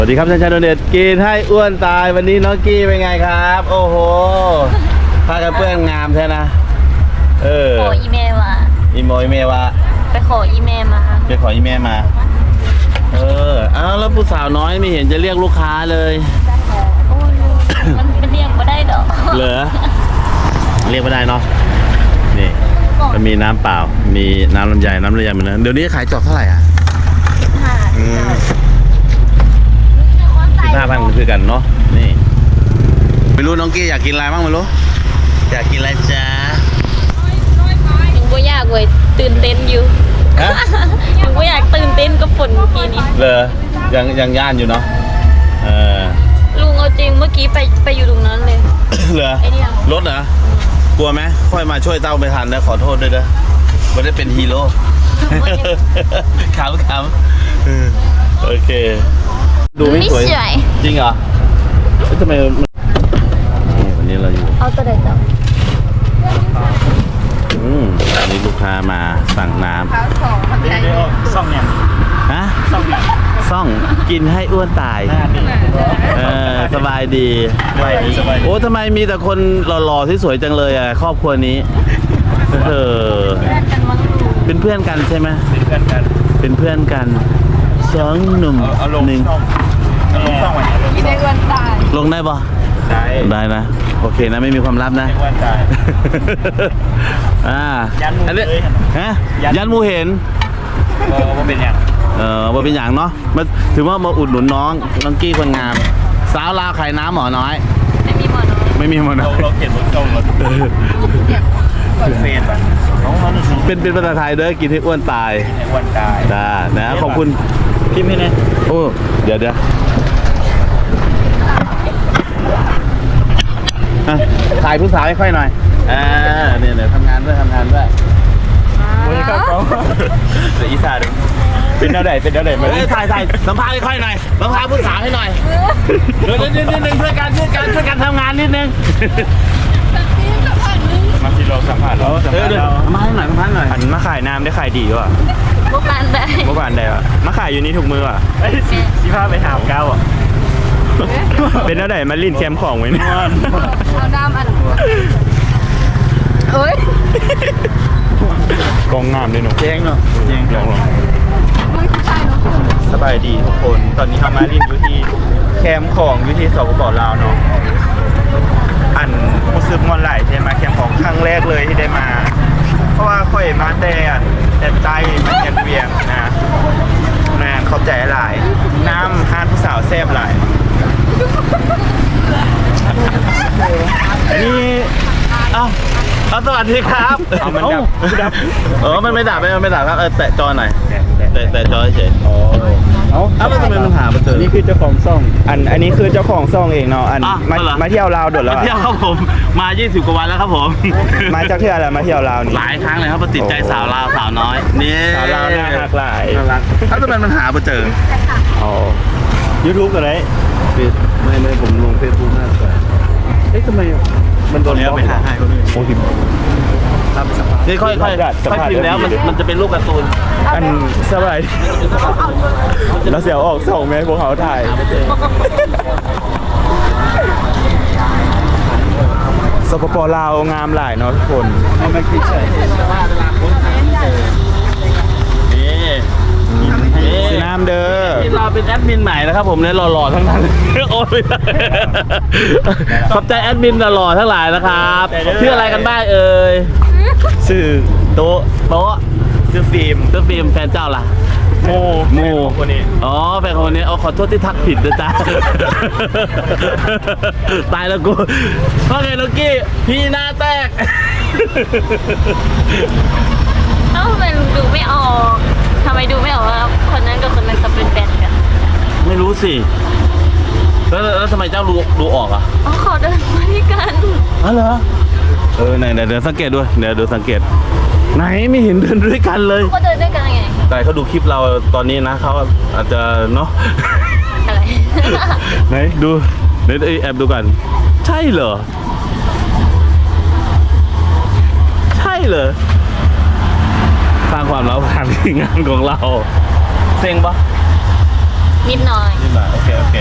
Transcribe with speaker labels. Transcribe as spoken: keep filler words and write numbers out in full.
Speaker 1: สวัสดีครับท่านชายโดเน็ตกินให้อ้วนตายวันนี้น้องกี้เป็นไงครับ โอ้โหผ้ากันเปื้อนงามใช่นะเออ
Speaker 2: ขออีเมลมา
Speaker 1: อีโมอีเมลว่า
Speaker 2: ไปขออีเมลมา
Speaker 1: ไปขออีเมลมาเอออ้าวแล้วผู้สาวน้อยไม่เห็นจะเรียกลูกค้าเลย
Speaker 2: โอ้ยมันเป็นเรียกไม่ได้ดอก
Speaker 1: เหรอเรียกไม่ได้เนาะนี่มันมีน้ำเปล่ามีน้ำลำไยน้ำลำไยเหมือนกันเดี๋ยวนี้ขายจอกเท่าไหร่อ่ะห้าพันคือกันเนาะนี่ไม่รู้น้องกี้อยากกินอะไรบ้างไม่รู้อยากกินอะไรจ้า
Speaker 2: ยังไม่อยากเว้ยตื่นเต้นอยู่ยังไม่อยากตื่นเต้นกับฝนเมื่อกี้นี้
Speaker 1: เลยยังยังย่านอยู่เนาะเออ
Speaker 2: ลุงเอาจริงเมื่อกี้ไปไปอยู่ตรงนั้นเลย
Speaker 1: เหรอรถเหรอกลัวไหมค่อยมาช่วยเต้าไม่ทันนะขอโทษด้วยนะไม่ได้เป็นฮีโร่ขำขำโอเคดูไม่สวยจริงเหรอทำไมวันนี้เราอยู่
Speaker 2: เอาตัวไหนต่อ
Speaker 1: อืมอันนี้ลูกค้ามาสั่งน้ำ
Speaker 3: ซ่องเนี่ย
Speaker 1: ฮะซ่องกินให้อ้วนตายเออสบายดี
Speaker 3: สบายดีสบายดี
Speaker 1: โอ้ทำไมมีแต่คนหล่อๆที่สวยจังเลยอ่ะครอบครัวนี้เออเป็นเพื่อนกันใช่ไหม
Speaker 3: เป็นเพื่อนกัน
Speaker 1: เป็นเพื่อนกันสองหนุ่มหนึ่ง
Speaker 3: ลงช่องวันนี้
Speaker 2: กินให้อ้วนตาย
Speaker 1: ลงได้ปะ
Speaker 3: ได้
Speaker 1: ได้นะโอเคนะไม่มีความลับนะ
Speaker 3: อ้วนตาย
Speaker 1: อ่าอันนี้ฮะยันมูเห็น
Speaker 3: ว่าเป็นอย่าง
Speaker 1: เออว่าเป็นอย่างเนาะมาถือว่ามาอุดหนุนน้องน้องกี้คนงามสาวลาวขายน้ำหมอน้อย
Speaker 2: ไม่มีหมอน้อย
Speaker 1: ไม่มีหมอน้อย
Speaker 3: เราเขียนบนช่องรถเฟซป่ะ
Speaker 1: เป็นเป็นภาษาไทยด้วยกินให้อ้วนตาย
Speaker 3: อ้วนตาย
Speaker 1: จ้านะขอบคุณ
Speaker 3: พี่ไม่แน่
Speaker 1: โอ้เดี๋ยวเดี๋ยวถ่ายผู้สาวให้ค่อยหน่อยอ่าเนี่ยเนี่ยทำงานด้วยทำงานด้วย
Speaker 3: โอ้ยครับเขาแต่อีสานเป็นเท่าไหร่เป็นเท่าไหร่มา
Speaker 1: ถ่ายถ่ายสัมภาษณ์ให้ค่อยหน่อยสัมภาษณ์ผู้สาวให้หน่อยเดี๋ยวนิดนิดนึงช่วยกันช่วยกันช่วยกันทำงานนิดนึง
Speaker 3: มาสิเราสัมผัสเราสัมผัสเรา
Speaker 1: มาให้หน่อยมาให้หน่อย
Speaker 3: อันมาขายน้ำได้ขายดีว่ะ
Speaker 2: เมื่อวานได้
Speaker 3: เมื่อวานได้ว่ะมาขายอยู่นี่ถูกมือว่ะไอ้สิพาไปหาเก้าอ่ะเป็นเท่าไหร่มาลิ้นแคมของไว้เนี่ย
Speaker 2: เอาน้ำอันเฮ้ย
Speaker 3: กองงามเลยหนู
Speaker 1: แจ้งเนาะ
Speaker 3: แจ้งลองลองสบายดีทุกคนตอนนี้ทำมาลิ้นอยู่ที่แคมของอยู่ที่สปป.ลาวเนาะอันรู้สึกมันไหลใช่ไหมแคมของครั้งแรกเลยที่ได้มาเพราะว่าค่อยมาแต่แต่ใจมันยังเวียงนะนานขอบใจหลายน้ำฮานผู้สาวแซ่บหลาย
Speaker 1: อันนี้เอ้าเอาสวัสดีครับ
Speaker 3: เอามันดับดับ
Speaker 1: เออมันไม่ดับไม่ไม่ดับครับเออแตะจอหน่อยแตะแตะจอเฉย
Speaker 3: อ๋อ
Speaker 1: เอาเอาแล้วทำไมมันหามาเจอ
Speaker 3: นี่คือเจ้าของซ่องอันอันนี้คือเจ้าของซ่องเองเนาะอันมามาเที่ยวลาวโดดแล้ว
Speaker 1: มาเที่ยวครับผมมายี่สิบกว่าวันแล้วครับผม
Speaker 3: มาจากเที่ยวอะไรมาเที่ยวลาวนี่
Speaker 1: หลายครั้งเลยครับมาติดใจสาวลาวสาวน้อยนี่
Speaker 3: สาวลาวน่ารักหลาย
Speaker 1: น่ารักถ้าทำไมมันหามาเจอ
Speaker 3: อ๋อยูทูบอะไร
Speaker 1: ไม่ไม่ผมลงเฟซบุ๊กมากกว่าเอ๊ะทำไมมันโดนแล้วไปหาให้โอ้ยนี่ค่อยๆค่อยพิมพ์แล้วมันมันจะเป็นรูปการ์ตูน
Speaker 3: อันสบายแล้วเสียวออกส่งไหมพวกเขาถ่ายสปป.ลาวงามหลายเนาะทุกคน
Speaker 1: ไม่คิดใช่นี่
Speaker 3: สีน้ำเด้อ
Speaker 1: ที่เราเป็นแอดมินใหม่นะครับผมเนี่ยหล่อๆทั้งนั้นโอ้ยขอบใจแอดมินหล่อๆทั้งหลายนะครับชื่ออะไรกันบ้างเอ่ย
Speaker 3: ชื่อ
Speaker 1: โต๊ะโต๊ะ
Speaker 3: ชื่อฟิล์ม
Speaker 1: ชื่อฟิล์มแฟนเจ้าล่ะ
Speaker 3: โม
Speaker 1: โม
Speaker 3: คนนี้
Speaker 1: อ๋อแฟนคนนี้เอาขอโทษที่ทักผิดนะจ๊ะตายแล้วกูว่าไงนุกกี้พี่หน้าแตก
Speaker 2: เอ้าทำไมลุงดูไม่ออกทำไมดูไม่ออกว่าคนนั้นกับคนนั้นจะเป็นแฟนกัน
Speaker 1: ไม่รู้สิแล้วแล้วทำไมเจ้าดูดูออกอ่ะ
Speaker 2: อ๋อขอเดินมาด้วยกัน
Speaker 1: อ๋อเหรอเออไหนเดี๋ยวสังเกตด้วยเดี๋ยวดูสังเกตไหนไม่เห็นเดินด้วยกันเลย
Speaker 2: เขาเดินด้วยกันยังไง
Speaker 1: แต่เขาดูคลิปเราตอนนี้นะเขาอาจจะเนาะ
Speaker 2: อะไร
Speaker 1: ไหนดูเดี๋ยวแอบดูกันใช่เหรอใช่เหรอสร้างความเล้าผ่านงานของเราเซ็งปะ
Speaker 2: นิดหน่อย
Speaker 1: นิดหน่อยโอเคโอเค